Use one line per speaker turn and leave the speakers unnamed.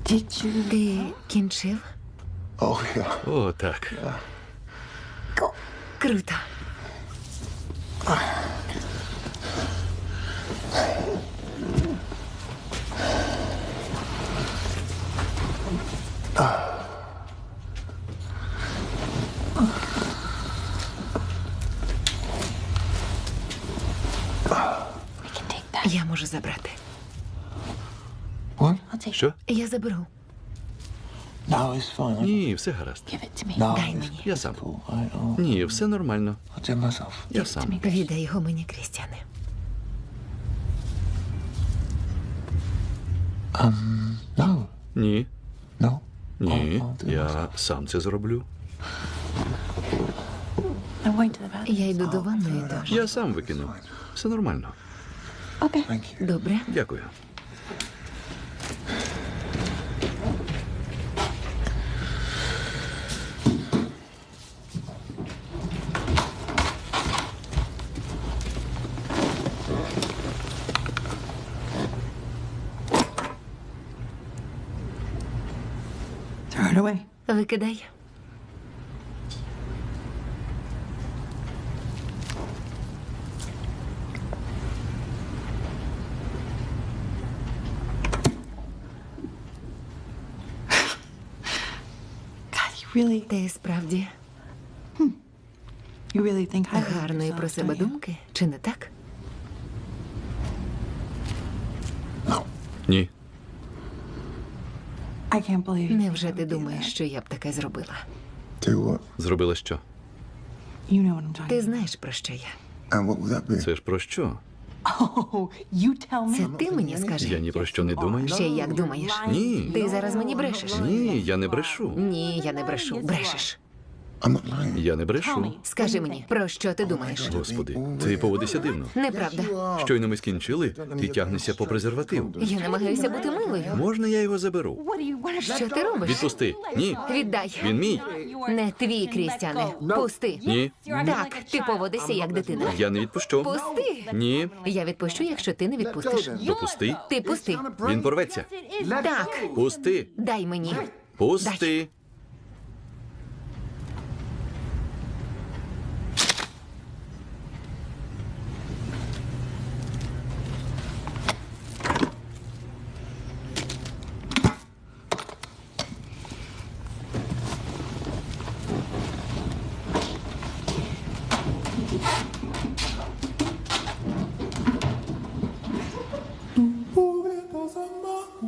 Ти кінчив?
О, так.
Круто. Я можу забрати.
Що?
Я заберу.
Ні, все гаразд.
Дай мені.
Я сам. Ні, все нормально. Я сам.
Віддай його мені, Крістіане.
Ні. Ні, я сам це зроблю.
Я йду до ванної теж.
Я сам викину. Все нормально.
Добре.
Дякую.
Throw it away.
Викидай.
God, you really,
Ти справді
you really think highly of
гарної про
yourself,
себе
don't you?
думки, чи не так?
Ні.
I can't believe you.
Невже ти думаєш, що я б таке зробила?
Зробила що?
You know what I'm talking
Ти
about.
знаєш, про що я?
Це ж про що?
Oh, you tell
Це
me.
ти мені скажи.
Я ні про що не думаю.
Ще як думаєш?
Ні.
Ти зараз мені брешеш.
Ні, я не брешу.
Ні, я не брешу. Брешеш.
Я не брешу.
Скажи мені, про що ти думаєш?
Господи, ти поводишся дивно.
Неправда.
Щойно ми скінчили, ти тягнешся по презерватив.
Я намагаюся бути милою.
Можна я його заберу?
What do you want to
Що ти робиш?
Відпусти. Ні.
Віддай.
Він мій.
Не твій, Крістіане. Пусти.
Ні.
Так, ти поводишся як дитина.
Я не відпущу.
Пусти.
Ні.
Я відпущу, якщо ти не відпустиш.
Допусти.
Ти пусти.
Він порветься.
Так,
Пусти.
дай мені.
Пусти.